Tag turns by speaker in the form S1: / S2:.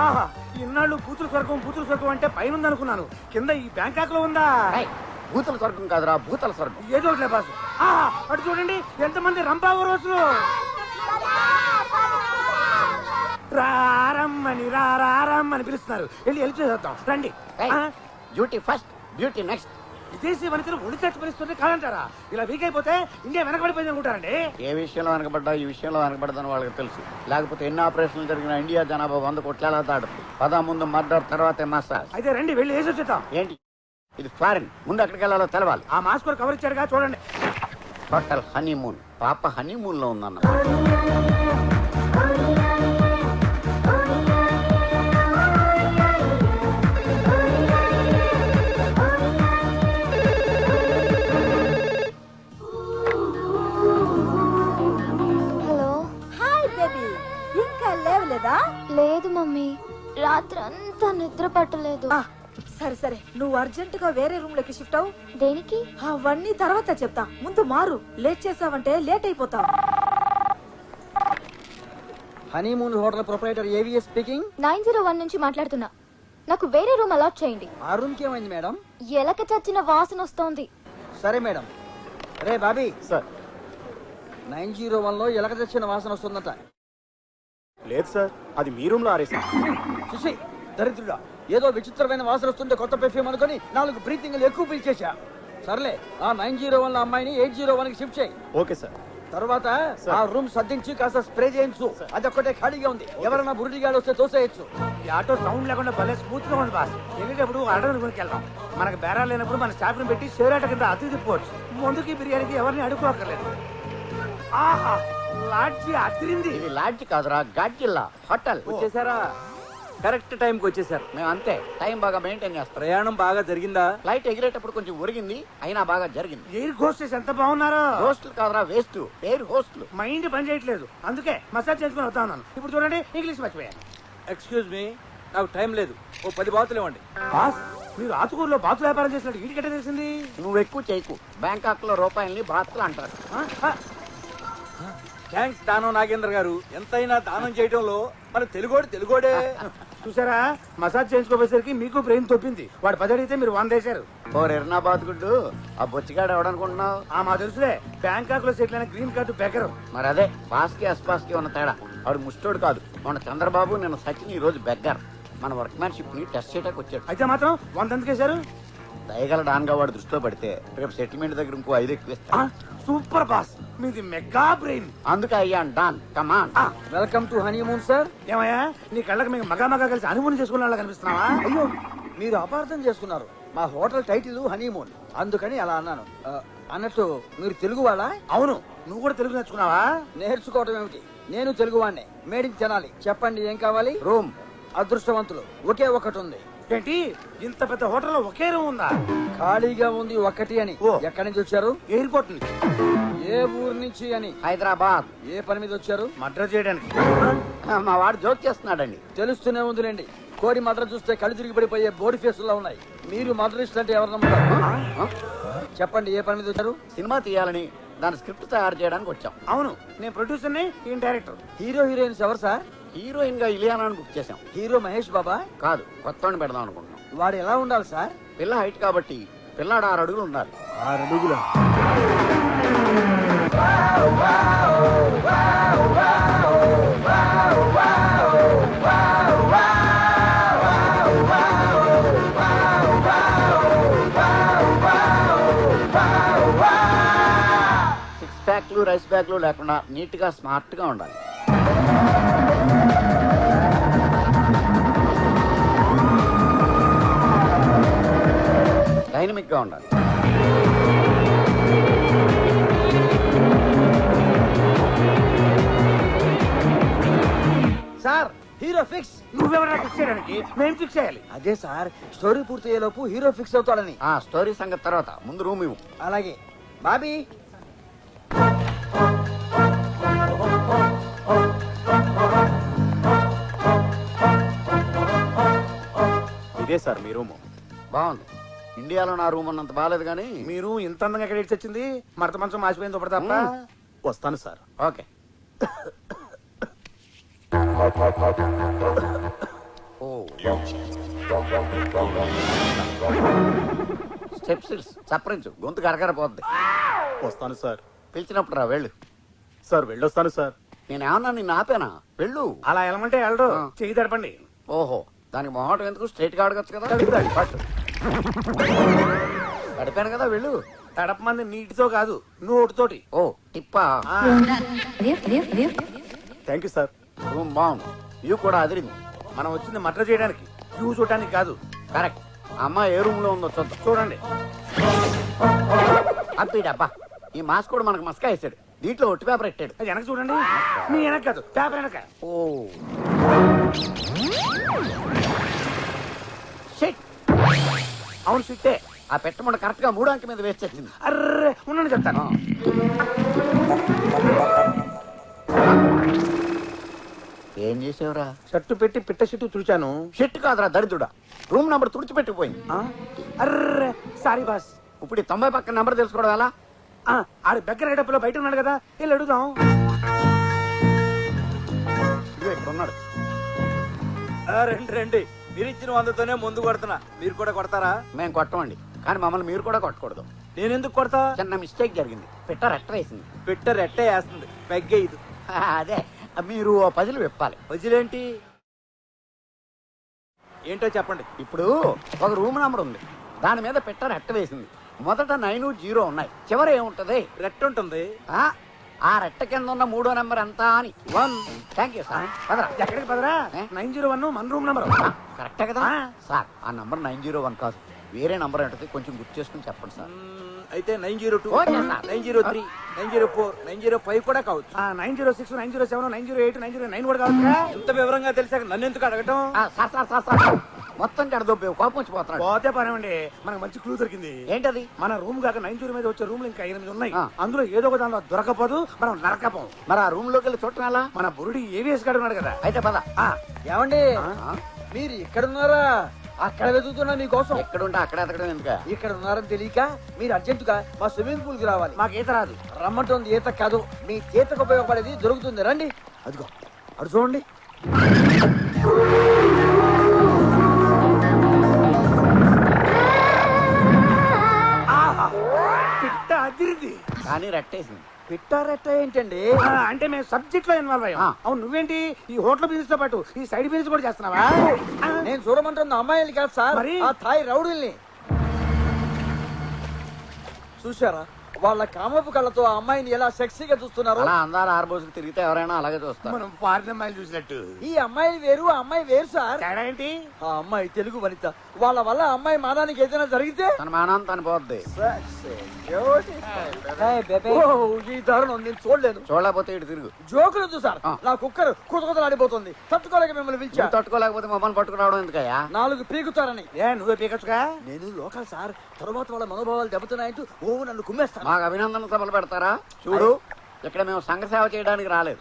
S1: ఆహా, ఇన్నాళ్ళు బూతుల స్వర్గం అంటే పైన ఉందనుకున్నాను. కింద ఈ బ్యాంకాక్ లో ఉందా?
S2: భూతల స్వర్గం కాదురా, భూతల స్వర్గం.
S1: ఏదో ఒకటి బాసు. ఆహా, అటు చూడండి ఎంతమంది రంపావరోసులు. రారమ్మని పిలుస్తున్నారు. వెళ్ళి హెల్ప్ చేద్దాం రండి.
S2: Duty first, duty next.
S1: విదేశీ వనితలు ఒడి చచ్చి పరిస్థితుంది కాదంటారా? ఇలా వీక్ అయిపోతే ఇండియా వెనకబడిపోయింది అనుకుంటారండి.
S2: ఏ విషయంలో వెనకబడ్డా ఈ విషయంలో వెనకబడదని వాళ్ళకి తెలుసు. లేకపోతే ఎన్ని ఆపరేషన్లు జరిగిన ఇండియా జనాభా 100 కోట్ల దాడుతుంది. ముందు మర్డర్, తర్వాతే మసాజ్.
S1: అయితే రండి వెళ్ళి వేసి వచ్చేద్దాం.
S2: ఏంటి ఇది ఫారిన్, ముందు ఎక్కడికి వెళ్ళాలో తెలవాలి.
S1: ఆ మాస్క్ కవర్ ఇచ్చాడుగా చూడండి.
S2: Hotel honeymoon. పాప హనీమూన్ లో ఉందన్న.
S3: లేదు మమ్మీ, రాత్రి అంతా నిద్ర పట్టలేదు.
S4: సరే సరే, నువ్వు అర్జెంట్ గా వేరే రూమ్ లోకి షిఫ్ట్ అవు.
S3: దేనికి?
S4: అవన్నీ తర్వాత చెప్తా, ముందు మారు. లేట్ చేసావంటే లేట్ అయిపోతావు.
S5: Honeymoon hotel proprietor AVS speaking.
S3: 901 నుంచి మాట్లాడుతున్నా. నాకు వేరే రూమ్ అలాట్ చేయండి.
S5: ఆ రూమ్ కి ఏమైంది మేడం?
S3: ఎలక చచ్చిన వాసన వస్తోంది.
S5: సరే మేడం. రే బాబీ
S2: సార్,
S5: 901 లో ఎలక తెచ్చిన వాసన వస్తుందట.
S1: లేదు సార్, అది మీ రూమ్ లో ఆరేసా.
S5: చూసి దరిద్రుడా, ఏదో విచిత్రమైన వాసన వస్తుంటే కొత్త పెర్ఫ్యూమ్ అనుకుని 4 బ్రీతింగ్లు ఎక్కువ పిలిచేశా. సర్లే, ఆ 901 లో అమ్మాయిని 801 కి షిఫ్ట్ చేయి.
S1: Okay sir.
S5: తర్వాత ఆ రూమ్ సర్దించి కాస్త స్ప్రే చేయించు. అది ఒక్కటే ఖాళీగా ఉంది. ఎవరైనా బురుడిగాడు వస్తే తోసేయచ్చు.
S1: ఈ ఆటో సౌండ్ లేకుండా భలే స్మూత్ గా ఉంది బాస్. వెళ్ళేటప్పుడు ఆర్డర్ కొనికి వెళ్దాం. మనకు బేరాలు లేనప్పుడు మన స్టాఫ్ ని పెట్టి షేర్ ఆట కింద అతి తిప్పవచ్చు. ముందుకి బిర్యానీకి ఎవరిని అడుక్కోక్కర్లేదు. ఆహా, లాడ్జి అతిరింది.
S2: ఇది లాడ్జి కాదురా, గాడ్జిల్లా హోటల్.
S6: వచ్చేసారా? కరెక్ట్ టైంకి వచ్చేసారు.
S2: మేము అంతే, టైం బాగా మెయింటైన్ చేస్తాం.
S6: ప్రయాణం బాగా జరిగిందా?
S2: ఫ్లైట్ ఎగిరేటప్పుడు కొంచెం ఒరిగింది, అయినా బాగా జరిగింది.
S1: ఎయిర్ హోస్టెస్ ఎంత బాగున్నారో.
S2: హోస్టల్ కాదురా, వేస్ట్. Air hostel.
S1: మైండ్ పని చేయట్లేదు, అందుకే మసాజ్ చేసుకుని వస్తా ఉన్నాను. ఇప్పుడు చూడండి, ఇంగ్లీష్ మర్చిపోయాను.
S6: ఎక్స్క్యూజ్ మీ, నాకు టైం లేదు. ఓ 10 బాతులు ఇవ్వండి.
S1: బాస్, మీరు ఆతుకూరులో బాతు వ్యాపారం చేసినట్టు వీటికెట్ట తెలిసింది?
S2: నువ్వు ఎక్కువ చేయకు. బ్యాంకాక్ లో రూపాయల్ని బాతులు అంటారు.
S6: థ్యాంక్స్ దానం నాగేంద్ర గారు. ఎంతైనా దానం చేయడంలో మన తెలుగోడే.
S1: చూసారా, మసాజ్ చేయించుకోపోయేసరికి మీకు బ్రెయిన్ తొప్పింది. వాడు 10 అడిగితే మీరు 100 వేశారు.
S2: ఓ ఎర్నాబాద్ గుడ్డు, ఆ బొచ్చిగాడు ఎవడనుకుంటున్నావు?
S1: మా తెలుసులే, బ్యాంకాక్ లో సెటిల్ అయిన గ్రీన్ కార్డు బెకరు.
S2: మరి అదే పాస్కి అస్పాస్కి ఉన్న తేడా. వాడు ముష్టోడు కాదు. మన చంద్రబాబు, నిన్న సచిన్, ఈ రోజు బెగ్గర్. మన వర్క్మ్యాన్షిప్ ని టెస్ట్ చేయడానికి వచ్చాడు.
S1: అయితే మాత్రం 100 ఎందుకు వేశారు?
S2: దయగల డాన్ గా వాడు దృష్టిలో పడితే రేపు సెటిల్మెంట్ దగ్గర ఇంకో 5 ఎక్కువ ఇస్తా.
S1: సూపర్ బాస్, మీది మెగా బ్రెయిన్.
S2: అందుకే అయ్యాను don. Come on.
S5: Welcome to honeymoon sir.
S1: ఏమయ్యా, నీ కళ్ళకి మేము మగా కలిసి అనుమతి చేసుకున్న కనిపిస్తున్నావా?
S5: అయ్యో, మీరు అపార్థం చేసుకున్నారు. మా హోటల్ టైటిల్ హనీమూన్, అందుకని అలా అన్నాను. అన్నట్టు మీరు తెలుగు వాళ్ళా?
S1: అవును. నువ్వు కూడా తెలుగు నేర్చుకున్నావా?
S5: నేర్చుకోవటం ఏమిటి, నేను తెలుగు వాడినే. మేడికి తినాలి. చెప్పండి, ఏం కావాలి?
S2: రూమ్.
S5: అదృష్టవంతులు, ఒకే ఒకటి ఉంది.
S1: ఏంటి, ఇంత పెద్ద హోటల్లో ఒకే రూమ్ ఉందా?
S5: ఖాళీగా ఉంది ఒకటి అని. ఎక్కడి నుంచి వచ్చారు?
S1: ఎయిర్పోర్ట్ నుంచి.
S5: ఏ ఊరు నుంచి అని?
S2: హైదరాబాద్.
S5: ఏ పని మీద వచ్చారు?
S1: మర్డర్ చేయడానికి.
S2: మా వాడు జోక్ చేస్తున్నాడండి.
S5: తెలుస్తూనే ఉందిలేండి. కోడి మద్ర చూస్తే కళ్ళు తిరిగి పడిపోయే బోడి ఫేసుల్లో ఉన్నాయి. మీరు మద్రస్ట్ అంటే ఎవరు నమ్ముతారు? చెప్పండి, ఏ పని మీద వచ్చారు?
S2: సినిమా తీయాలని, దాని స్క్రిప్ట్ తయారు చేయడానికి వచ్చాం.
S1: అవును, నేను ప్రొడ్యూసర్ ని, ఈయన డైరెక్టర్.
S5: హీరో హీరోయిన్స్ ఎవరు సార్?
S2: హీరోయిన్ గా ఇలియానాని బుక్ చేసాం.
S5: హీరో మహేష్ బాబా?
S2: కాదు, కొత్తవాడిని పెడదాం అనుకుంటున్నాం.
S5: వాడు ఎలా ఉండాలి సార్?
S2: పిల్ల హైట్ కాబట్టి పిల్లాడు 6 అడుగులు ఉండాలి.
S5: 6 అడుగుల?
S2: సిక్స్ ప్యాక్లు, రైస్ బ్యాగ్లు లేకుండా నీట్ గా స్మార్ట్ గా ఉండాలి. డైనమిక్ గా ఉండాలి.
S5: Sir, hero fix.
S1: నువ్వెవరైనా ఫిక్స్ చేయడానికి మేము ఫిక్స్ చేయాలి.
S5: అదే సార్, స్టోరీ పూర్తయ్యేలోపు హీరో ఫిక్స్ అవుతాడని.
S2: ఆ స్టోరీ సంగతి తర్వాత, ముందు రూమ్ ఇవ్వు.
S5: అలాగే. బాబీ,
S1: ఇదే సార్ మీ రూము.
S2: బాగుంది. ఇండియాలో నా రూమ్ అన్నంత బాగాలేదు కానీ
S1: మీరు ఇంత అందంగా ఎక్కడ ఇచ్చి వచ్చింది? మరత మంచం మాసిపోయింది ఒకటి తప్ప. వస్తాను సార్.
S2: ఓకే. స్టెప్స్ చప్పరించు, గొంతు కరకరపోద్ది.
S7: వస్తాను సార్.
S2: పిలిచినప్పుడు రా, వెళ్ళు.
S7: సార్ వెళ్ళొస్తాను సార్.
S2: నేనేమన్నా నిన్ను ఆపానా? వెళ్ళు.
S1: అలా వెళ్ళమంటే వెళ్ళడు,
S2: ఆ.
S1: చెయ్యి తడపండి.
S2: ఓహో, దానికి మొహటం ఎందుకు? స్ట్రైట్ గా అడగచ్చు కదా.
S1: తడుపుతాడు.
S2: పట్టు. గడిపాను కదా, వెళ్ళు.
S1: తడపమంది నీటితో కాదు, నోటితోటి.
S2: ఓ టిప్పా.
S1: ఆ,
S7: థ్యాంక్ యూ సార్.
S2: రూమ్ బాగుంది, వ్యూ కూడా అదిరింది.
S1: మనం వచ్చింది మర్డర్ చేయడానికి, వ్యూ చూడడానికి కాదు.
S2: కరెక్ట్. అమ్మ ఏ రూమ్ లో ఉందో చూద్దాం.
S1: చూడండి.
S2: అబ్బా, ఈ మాస్క్ కూడా మనకు మస్కా వేసాడు. దీంట్లో ఒట్టి పేపర్ పెట్టాడు.
S1: అది వెనక చూడండి. మీ వెనక కాదు, పేపర్ వెనక.
S2: Oh shit.
S1: అవును సిట్టే.
S2: ఆ పెట్టమంట కరెక్ట్ గా 3 అంకె మీద వేసి వచ్చింది.
S1: అర్రే ఉండండి చెప్తాను.
S2: ఏం చేసావురా?
S1: షర్టు పెట్టి పిట్ట షిట్టు తుడిచాను.
S2: షిట్ కాదురా దరిద్రుడా, రూమ్ నంబర్ తుడిచిపెట్టిపోయింది.
S1: ఆ? అర్రే సారీ బాస్.
S2: ఇప్పుడు ఈ 90 పక్కన నంబర్ తెలుసుకోవడం ఎలా?
S1: ఆడు దగ్గర గడపలో బయట ఉన్నాడు కదా, వెళ్ళి అడుగుదాం.
S2: ఇదిగో ఇక్కడ ఉన్నాడు.
S6: రండి రండి, మీరు ఇచ్చిన 100తోనే ముందు కొడుతున్నా, మీరు కూడా కొడతారా?
S2: మేము కొట్టమండి, కానీ మమ్మల్ని మీరు కూడా కొట్టకూడదు.
S6: నేనెందుకు కొడతా?
S2: చిన్న మిస్టేక్ జరిగింది. పిట్ట రెట్ట వేసింది.
S6: పెట్ట రెట్టే వేస్తుంది, పెగ్గే ఇది.
S2: అదే, మీరు ఓ పజిల్ విప్పాలి.
S6: వజిలేంటి ఏంటో చెప్పండి.
S2: ఇప్పుడు ఒక రూమ్ నంబర్ ఉంది, దాని మీద పిట్ట రెట్ట వేసింది. మొదట 9, 0 ఉన్నాయి, చివరి ఏముంటది?
S6: రెట్ట ఉంటుంది.
S2: ఆ రెట్ట కింద ఉన్న 3వ నెంబర్ ఎంత అని. 1. Thank you sir. పదరా.
S1: ఎక్కడికి పదరా?
S2: ఏ?
S1: 901 మన రూమ్ నెంబర్.
S2: కరెక్టే కదా
S1: ఆ.
S2: సార్? ఆ నంబర్ 901 కాదు, వేరే నంబర్ ఏంటది, కొంచెం గుర్తు చేసుకుని చెప్పండి సార్.
S6: అయితే 902,
S2: ఓకే సార్.
S6: 903, 904, 905 కూడా కావచ్చు.
S1: 906, 907, 908, 909 కూడా కావచ్చు.
S6: ఎంత వివరంగా తెలిసాక నన్ను ఎందుకు అడగటం?
S2: సార్ సార్ సార్ సార్, మొత్తం కడదొబ్బే కోపం వచ్చిపోతున్నాడు.
S1: పోతే పనేమండి, మనకు మంచి క్లూ దొరికింది.
S2: ఏంటది?
S1: మన రూమ్ కాక 90 మీద వచ్చే రూమ్లు ఇంకా 8 ఉన్నాయి.
S2: ఆ.
S1: అందులో ఏదో ఒక దానిలో దొరకపోదు, మనం నరకపోం.
S2: మరి ఆ రూమ్ లోకి వెళ్ళి చూడటం ఎలా?
S1: మన బురుడి ఏవిఎస్ గాడు ఉన్నాడు కదా.
S2: అయితే పద.
S1: ఆ,
S5: ఏమండి
S2: ఆ?
S5: మీరు ఇక్కడ ఉన్నారా? అక్కడ వెతుకుతున్నా మీకోసం.
S2: ఎక్కడుంటే అక్కడ ఎతకడం ఎందుక?
S5: ఇక్కడ ఉన్నారని తెలియక మీరు అర్జెంటుగా మా స్విమ్మింగ్ పూల్ కి రావాలి.
S1: మాకు ఈత రాదు.
S5: రమ్మంటుంది ఈత కాదు, మీ చేతకు ఉపయోగపడేది దొరుకుతుంది. రండి. అదిగో అడు చూడండి.
S1: ఆహా, పిట్ట అదిరింది.
S2: కానీ రెట్టేసింది.
S5: పిట్టారెట్ట ఏంటండి?
S1: అంటే మేము సబ్జెక్ట్ లో ఇన్వాల్వ్ అయ్యాం.
S2: ఆ.
S1: అవును, నువ్వేంటి ఈ హోటల్ బిజినెస్ తో పాటు ఈ సైడ్ బిజినెస్ కూడా చేస్తున్నావా?
S5: నేను చూడమంటున్న అమ్మాయిలు కాదు సార్,
S1: మరి?
S5: ఆ థాయ్ రౌడీల్ని. చూసారా వాళ్ళ కామపు కళ్ళతో ఆ అమ్మాయిని ఎలా సెక్సీగా చూస్తున్నారు?
S2: అలా అందాల ఆర్బోసుకు తిరిగితే ఎవరైనా అలాగే చూస్తారు.
S1: మనం ఫారిన్ అమ్మాయిలు చూసినట్టు.
S5: ఈ అమ్మాయి వేరు, ఆ అమ్మాయి వేరు సార్.
S1: తేడా ఏంటి?
S5: ఆ అమ్మాయి తెలుగు వనిత. వాళ్ళ వల్ల ఆ అమ్మాయి మానానికి ఏదైనా జరిగితే
S2: తన మానం తను పోద్ది.
S5: ఓ, ఈ దారుణం నేను చూడలేను.
S2: చూడలేకపోతే ఇటు తిరుగు.
S5: జోకులొద్దు సార్,
S2: ఆ.
S5: నా కుక్కర్ కుతకుతలాడిపోతుంది. తట్టుకోలేక మిమ్మల్ని పిలిచా.
S2: నువ్వు తట్టుకోలేకపోతే మమ్మల్ని పట్టుకురావడం ఎందుకయ్యా?
S5: 4 పీకుతారని.
S1: ఏ నువ్వే పీకచ్చుగా?
S5: నేను లోకల్ సార్, తర్వాత వాళ్ళ మనోభావాలు దెబ్బతున్నాయంటూ నన్ను కుమ్మేస్తాను.
S2: మాకు అభినందన సభలు పెడతారా? చూడు, ఇక్కడ మేము సంఘ సేవ చేయడానికి రాలేదు,